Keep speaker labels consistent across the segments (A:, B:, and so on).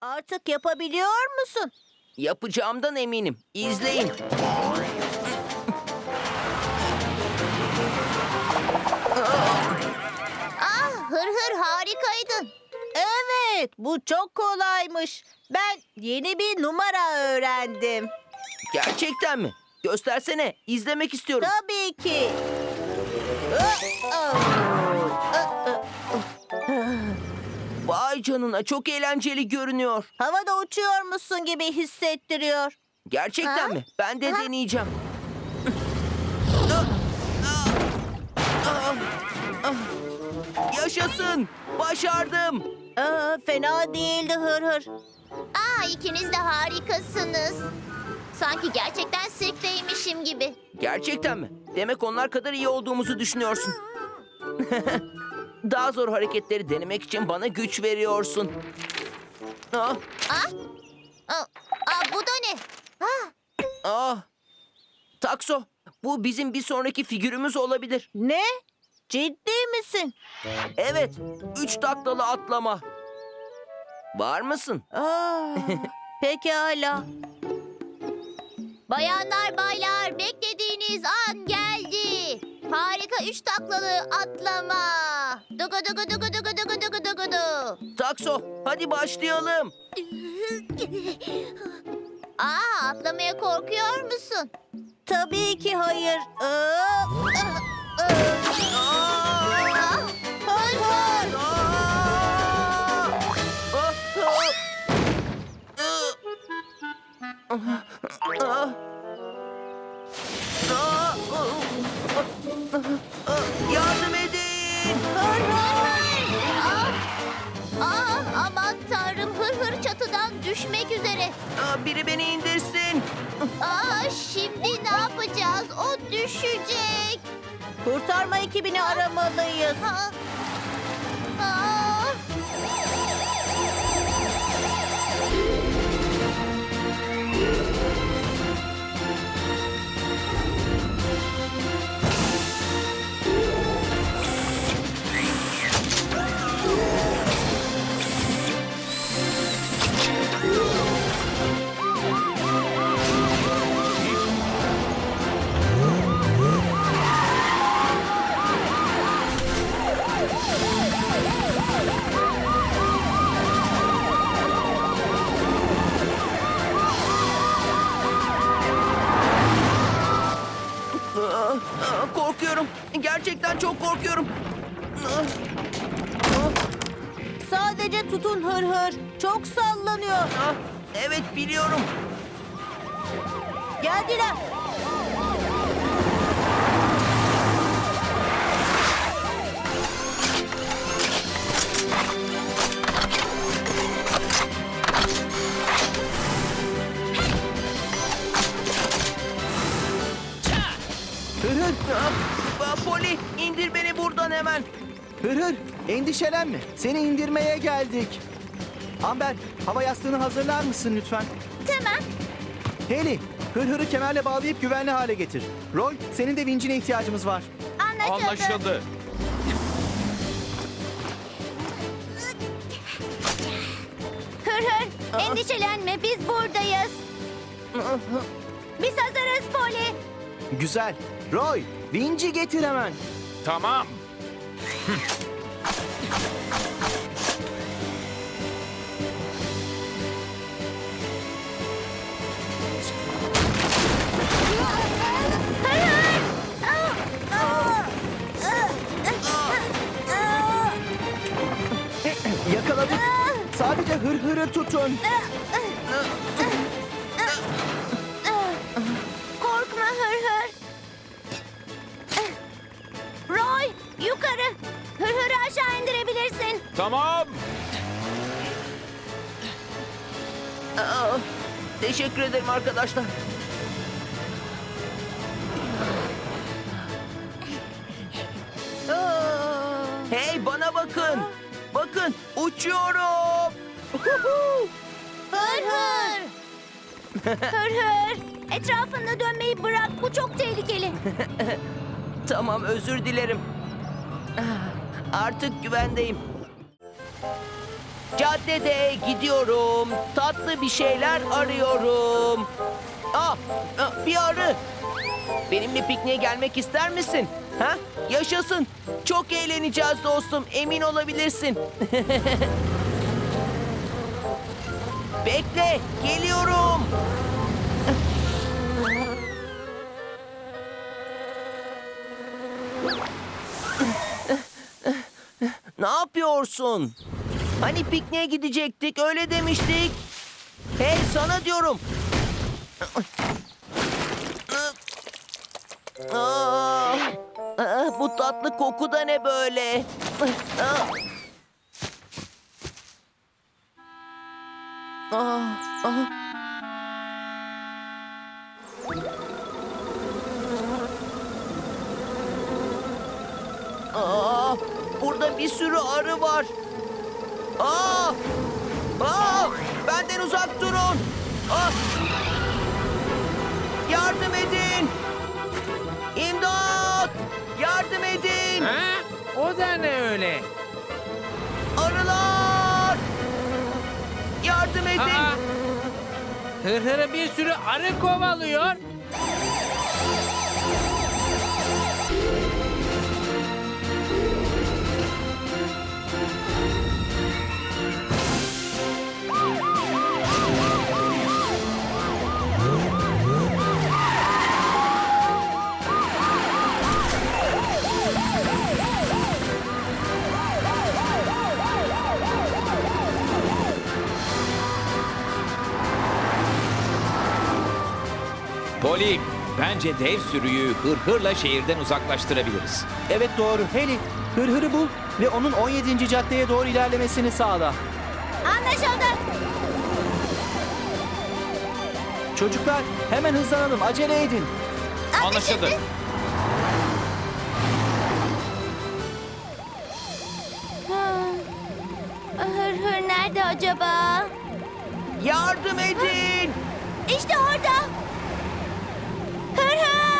A: Artık yapabiliyor musun?
B: Yapacağımdan eminim. İzleyin.
C: Hır harikaydın.
A: Evet, bu çok kolaymış. Ben yeni bir numara öğrendim.
B: Gerçekten mi? Göstersene. İzlemek istiyorum.
A: Tabii ki.
B: Vay canına, çok eğlenceli görünüyor.
A: Havada uçuyormuşsun gibi hissettiriyor.
B: Gerçekten mi? Ben de deneyeceğim. Yaşasın. Başardım.
A: Fena değildi hır hır.
C: İkiniz de harikasınız. Sanki gerçekten sirkteymişim gibi.
B: Gerçekten mi? Demek onlar kadar iyi olduğumuzu düşünüyorsun. Daha zor hareketleri denemek için bana güç veriyorsun. Ah,
C: Bu da ne?
B: ah. Takso, bu bizim bir sonraki figürümüz olabilir.
A: Ne? Ciddi misin?
B: Evet, 3 taklalı atlama. Var mısın?
A: Pekala.
C: Bayanlar baylar, beklediğiniz an geldi. Harika 3 taklalı atlama. Dugu dugu dugu dugu dugu dugu dugu du.
B: Takso, hadi başlayalım.
C: Atlamaya korkuyor musun?
A: Tabii ki hayır.
C: Hır hır.
B: Yardım edin.
C: Aman tanrım, hır hır çatıdan düşmek üzere.
B: Biri beni indirsin.
C: Şimdi ne yapacağız? O düşecek.
A: Kurtarma ekibini aramalıyız.
B: Korkuyorum. Gerçekten çok korkuyorum.
A: Sadece tutun hır hır. Çok sallanıyor.
B: Evet, biliyorum.
A: Geldiler.
B: Poli, indir beni buradan hemen.
D: Hır, endişelenme. Seni indirmeye geldik. Amber, hava yastığını hazırlar mısın lütfen?
C: Tamam.
D: Hayley, hırhırı kemerle bağlayıp güvenli hale getir. Roy, senin de vincine ihtiyacımız var.
E: Anlaşıldı.
C: Hır hır, endişelenme, biz buradayız. Biz hazırız Poli.
D: Güzel. Roy, vinci getir hemen.
E: Tamam.
D: Yakaladık. Sadece hırhırı tutun.
C: Korkma hır hır. Roy, yukarı. Hır hırı aşağı indirebilirsin.
E: Tamam.
B: Teşekkür ederim arkadaşlar. Hey, bana bakın. Bakın, uçuyorum.
C: Hır hır. Hır hır. Etrafında dönmeyi bırak. Bu çok tehlikeli.
B: Tamam, özür dilerim. Artık güvendeyim. Caddede gidiyorum. Tatlı bir şeyler arıyorum. Bir arı. Benimle pikniğe gelmek ister misin? Ha? Yaşasın. Çok eğleneceğiz dostum. Emin olabilirsin. Bekle. Geliyorum. Ne yapıyorsun? Hani pikniğe gidecektik, öyle demiştik. Hey, sana diyorum. Bu tatlı koku da ne böyle? Burada bir sürü arı var. Benden uzak durun. Yardım edin. İmdat! Yardım edin.
F: Ha? O da ne öyle?
B: Arılar! Yardım edin.
F: Aa! Hırhırı bir sürü arı kovalıyor.
E: Poli, bence dev sürüyü hırhırla şehirden uzaklaştırabiliriz.
D: Evet doğru. Heli, Hırhır'ı bul ve onun 17. caddeye doğru ilerlemesini sağla.
C: Anlaşıldı.
D: Çocuklar hemen hızlanalım. Acele edin.
E: Anlaşıldı.
C: Hır nerede acaba?
B: Yardım edin.
C: İşte orada. Hır.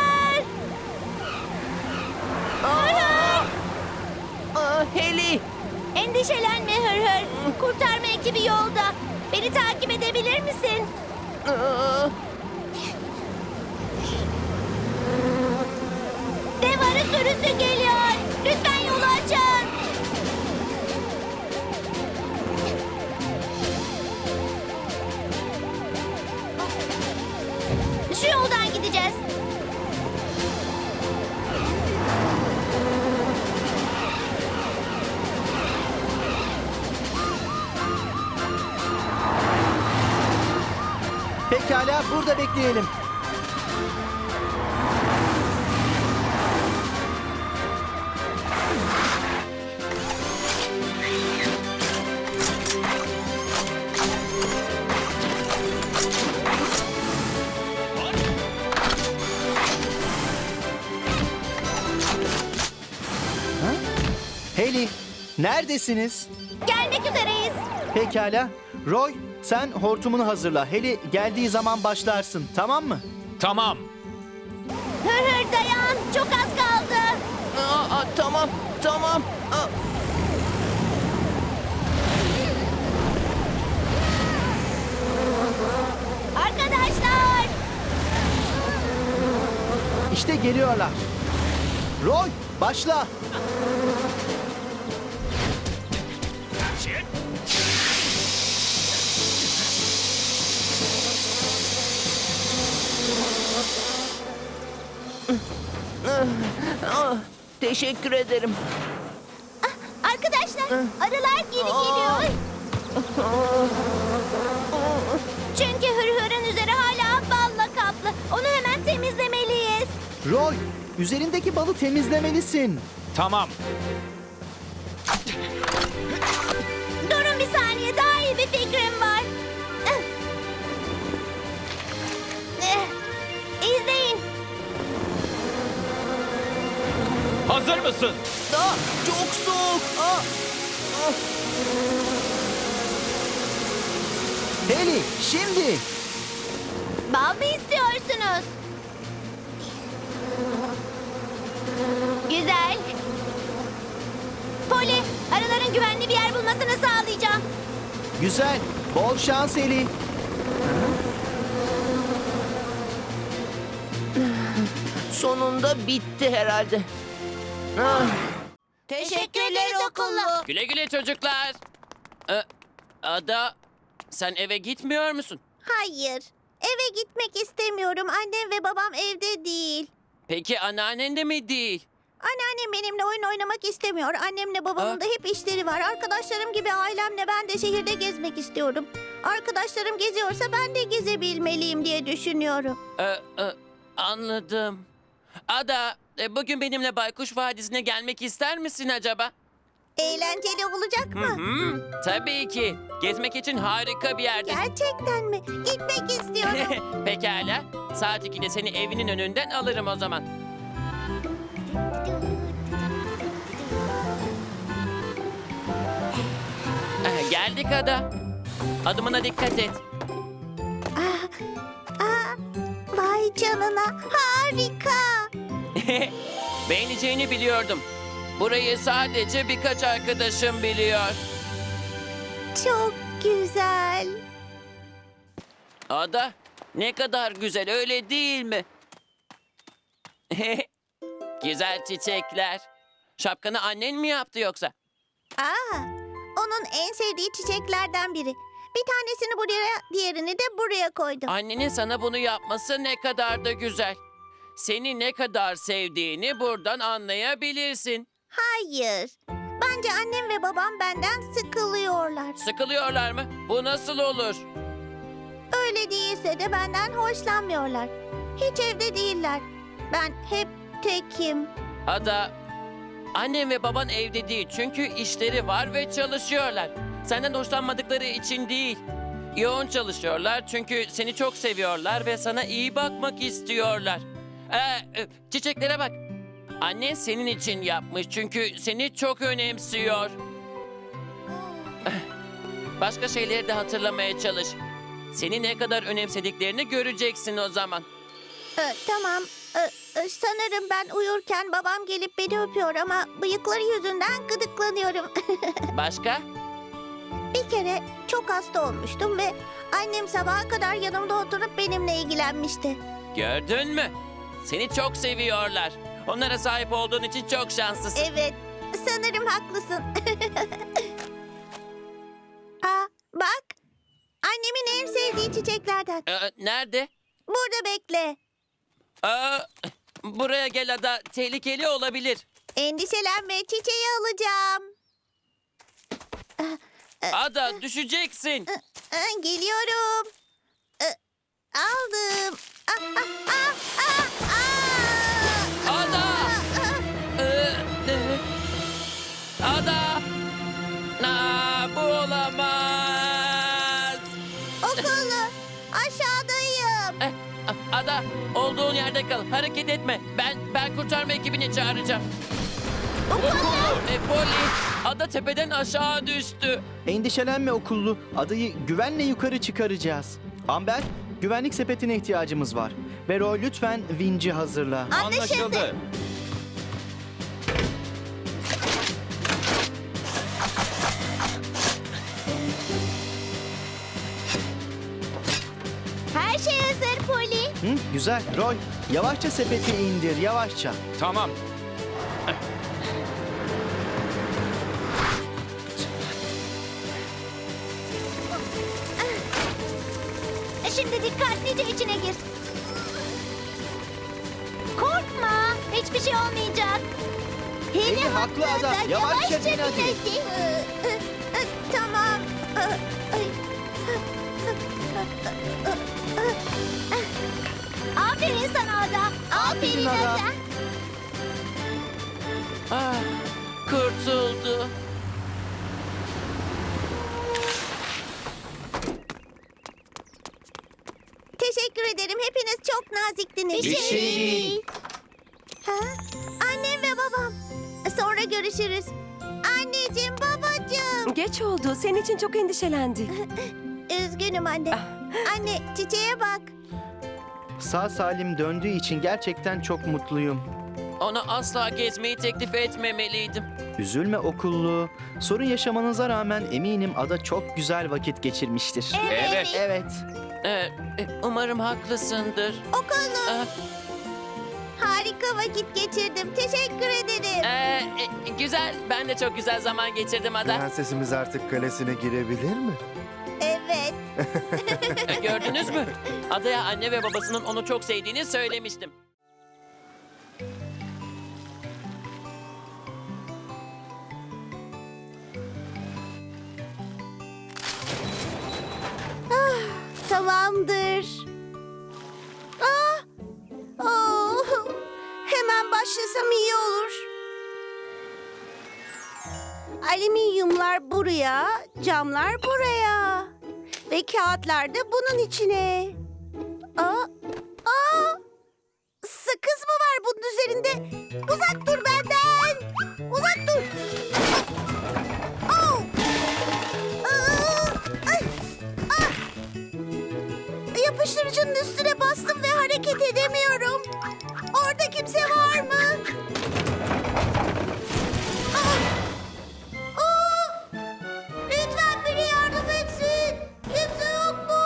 B: Heli.
C: Endişelenme Hır. Kurtarma ekibi yolda. Beni takip edebilir misin? Dev arı sürüsü geliyor. Lütfen yolu açın. Şu yoldan gideceğiz.
D: Pekala burada bekleyelim. Heli, neredesiniz?
C: Gelmek üzereyiz.
D: Pekala. Roy, sen hortumunu hazırla. Heli geldiği zaman başlarsın, tamam mı?
E: Tamam.
C: Hır dayan. Çok az kaldı.
B: Tamam.
C: Arkadaşlar.
D: İşte geliyorlar. Roy, başla.
B: Teşekkür ederim.
C: Arkadaşlar arılar geri geliyor. Çünkü hırhırın üzeri hala balla kaplı. Onu hemen temizlemeliyiz.
D: Roy, üzerindeki balı temizlemelisin.
E: Tamam.
C: Durun bir saniye, daha iyi bir fikrim var. İzleyin.
E: Hazır mısın?
B: Çok soğuk.
D: Heli, şimdi.
C: Bal mı istiyorsunuz? Güzel. Poli, arıların güvenli bir yer bulmasını sağlayacağım.
D: Güzel. Bol şans Eli.
B: Sonunda bitti herhalde. Ah,
A: Teşekkürler okullu.
G: Güle güle çocuklar. Ada, sen eve gitmiyor musun?
C: Hayır. Eve gitmek istemiyorum. Annem ve babam evde değil.
G: Peki anneannen de mi değil?
C: Anneannem benimle oyun oynamak istemiyor. Annemle babamın da hep işleri var. Arkadaşlarım gibi ailemle ben de şehirde gezmek istiyorum. Arkadaşlarım geziyorsa ben de gezebilmeliyim diye düşünüyorum.
G: Anladım. Ada, bugün benimle Baykuş Vadisi'ne gelmek ister misin acaba?
C: Eğlenceli olacak mı?
G: Tabii ki. Gezmek için harika bir yerdir.
C: Gerçekten mi? Gitmek istiyorum.
G: Pekala. Saat 2'de seni evinin önünden alırım o zaman. Geldik Ada. Adımına dikkat et.
C: Vay canına. Harika.
G: Beğeneceğini biliyordum. Burayı sadece birkaç arkadaşım biliyor.
C: Çok güzel.
G: Ada, ne kadar güzel öyle değil mi? Güzel çiçekler. Şapkanı annen mi yaptı yoksa?
C: Onun en sevdiği çiçeklerden biri. Bir tanesini buraya, diğerini de buraya koydum.
G: Annenin sana bunu yapması ne kadar da güzel. Seni ne kadar sevdiğini buradan anlayabilirsin.
C: Hayır. Bence annem ve babam benden sıkılıyorlar.
G: Sıkılıyorlar mı? Bu nasıl olur?
C: Öyle değilse de benden hoşlanmıyorlar. Hiç evde değiller. Ben hep tekim.
G: Ada, annem ve baban evde değil çünkü işleri var ve çalışıyorlar. Senden hoşlanmadıkları için değil. Yoğun çalışıyorlar çünkü seni çok seviyorlar ve sana iyi bakmak istiyorlar. Çiçeklere bak. Annen senin için yapmış çünkü seni çok önemsiyor. Başka şeyleri de hatırlamaya çalış. Seni ne kadar önemsediklerini göreceksin o zaman.
C: Tamam. Sanırım ben uyurken babam gelip beni öpüyor ama bıyıkları yüzünden gıdıklanıyorum.
G: Başka?
C: Bir kere çok hasta olmuştum ve annem sabaha kadar yanımda oturup benimle ilgilenmişti.
G: Gördün mü? Seni çok seviyorlar. Onlara sahip olduğun için çok şanslısın.
C: Evet, sanırım haklısın. Bak, annemin en sevdiği çiçeklerden.
G: Nerede?
C: Burada bekle.
G: Buraya gel Ada. Tehlikeli olabilir.
C: Endişelenme, çiçeği alacağım.
G: Ada düşeceksin.
C: Geliyorum. Aldım.
G: Ada! Ada! Bu olamaz.
C: Okullu, aşağıdayım.
G: Ada, olduğun yerde kal. Hareket etme. Ben kurtarma ekibini çağıracağım. Polly, Ada tepeden aşağı düştü.
D: Endişelenme okullu. Adayı güvenle yukarı çıkaracağız. Amber, güvenlik sepetine ihtiyacımız var. Ve Roy lütfen vinci hazırla.
E: Anlaşıldı.
C: Her şey hazır Poli.
D: Güzel. Roy, yavaşça sepeti indir, yavaşça.
E: Tamam.
C: Şimdi dikkatlice içine gir. Korkma, hiçbir şey olmayacak.
D: Eli haklı Ada, yavaşça bin hadi.
C: Tamam. Aferin sana Ada. Aferin
D: Ada.
G: Ah, kurtuldu.
C: Teşekkür ederim. Hepiniz çok naziktiniz.
D: Bir şey değil.
C: Annem ve babam. Sonra görüşürüz. Anneciğim, babacığım.
H: Geç oldu. Senin için çok endişelendik.
C: Üzgünüm anne. Anne, çiçeğe bak.
D: Sağ salim döndüğü için gerçekten çok mutluyum.
G: Ona asla gezmeyi teklif etmemeliydim.
D: Üzülme okullu. Sorun yaşamanıza rağmen eminim ada çok güzel vakit geçirmiştir.
E: Evet.
D: Evet.
G: Umarım haklısındır.
C: Okullu.
G: Ee,
C: Harika vakit geçirdim. Teşekkür ederim.
G: Güzel. Ben de çok güzel zaman geçirdim Ada.
I: Prensesimiz artık kalesine girebilir mi?
C: Evet.
G: Gördünüz mü? Ada'ya anne ve babasının onu çok sevdiğini söylemiştim.
C: Tamamdır. Hemen başlasam iyi olur. Alüminyumlar buraya, camlar buraya. Ve kağıtlar da bunun içine. Sakız mı var bunun üzerinde? Uzak dur benden. Uzak dur. Yapıştırıcının üstüne bastım ve hareket edemiyorum. Orada kimse var mı? Lütfen biri yardım etsin. Kimse yok mu?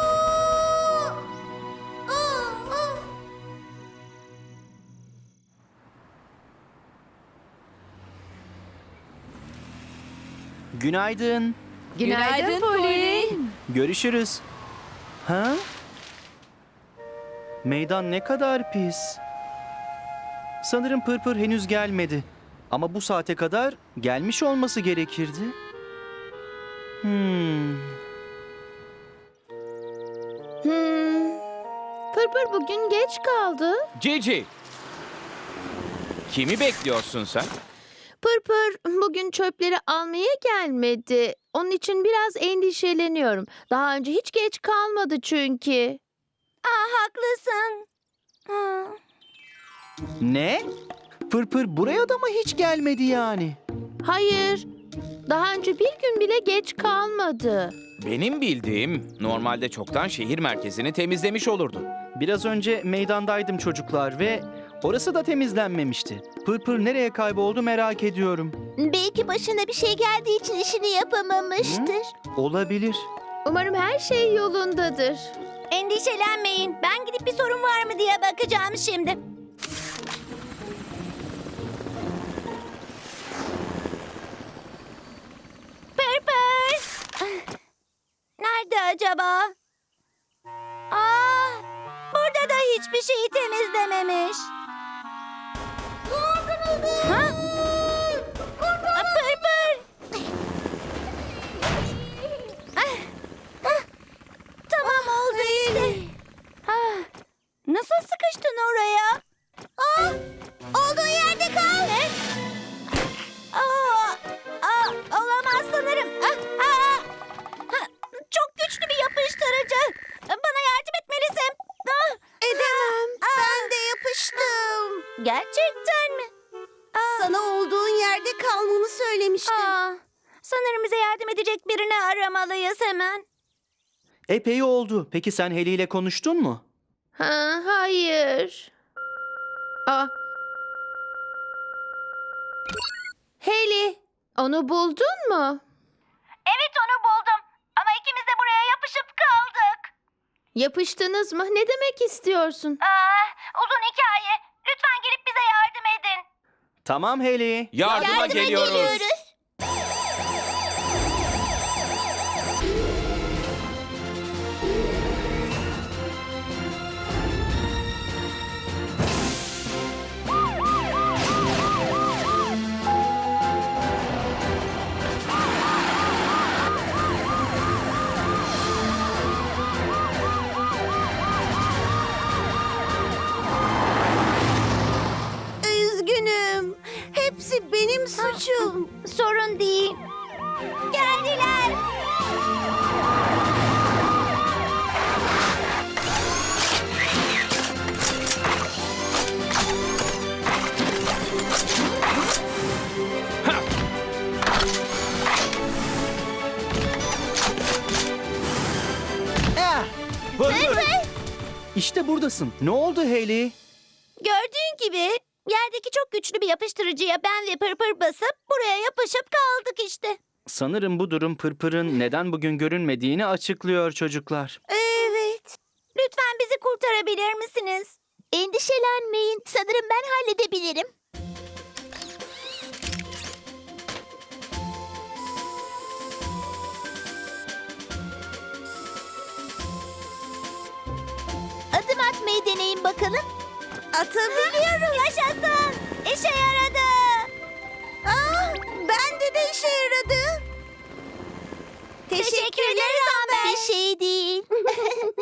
D: Günaydın.
H: Günaydın Poli.
D: Görüşürüz. Ha? Meydan ne kadar pis. Sanırım Pırpır henüz gelmedi. Ama bu saate kadar gelmiş olması gerekirdi.
A: Pırpır bugün geç kaldı.
E: Cici. Kimi bekliyorsun sen?
A: Pırpır bugün çöpleri almaya gelmedi. Onun için biraz endişeleniyorum. Daha önce hiç geç kalmadı çünkü.
C: Haklısın.
D: Ne? Pırpır buraya da mı hiç gelmedi yani?
A: Hayır. Daha önce bir gün bile geç kalmadı.
E: Benim bildiğim normalde çoktan şehir merkezini temizlemiş olurdu.
D: Biraz önce meydandaydım çocuklar ve orası da temizlenmemişti. Pırpır nereye kayboldu merak ediyorum.
C: Belki başına bir şey geldiği için işini yapamamıştır.
D: Olabilir.
A: Umarım her şey yolundadır.
C: Endişelenmeyin. Ben gidip bir sorun var mı diye bakacağım şimdi. Pırpır. Nerede acaba? Burada da hiçbir şeyi temizlememiş. Ha? Pırpır. Tamam oldu işte. Nasıl sıkıştın oraya? Olduğun yerde kal. Ne? Olamaz sanırım. Çok güçlü bir yapıştırıcı. Bana yardım etmelisin. Edemem. Ben de yapıştım. Gerçekten mi? Sana olduğun yerde kalmamı söylemiştim. Sanırım bize yardım edecek birini aramalıyız hemen.
D: Epey oldu. Peki sen Heli ile konuştun mu?
A: Hayır. Hayley, onu buldun mu?
C: Evet onu buldum. Ama ikimiz de buraya yapışıp kaldık.
A: Yapıştınız mı? Ne demek istiyorsun?
C: Uzun hikaye. Lütfen gelip bize yardım edin.
D: Tamam Heli.
E: Yardıma geliyoruz.
C: Üzgünüm. Hepsi benim suçum. Sorun değil. Geldiler.
D: Pırpır. İşte buradasın. Ne oldu Heli?
C: Gördüğün gibi Yerdeki çok güçlü bir yapıştırıcıya ben ve Pırpır basıp buraya yapışıp kaldık işte.
D: Sanırım bu durum Pırpır'ın neden bugün görünmediğini açıklıyor çocuklar.
C: Evet. Lütfen bizi kurtarabilir misiniz? Endişelenmeyin. Sanırım ben halledebilirim. Adım atmayı deneyin bakalım. Atabiliyorum. Yaşasın. İşe yaradı. Bende de işe yaradı. Teşekkürler Amber. Bir şey değil.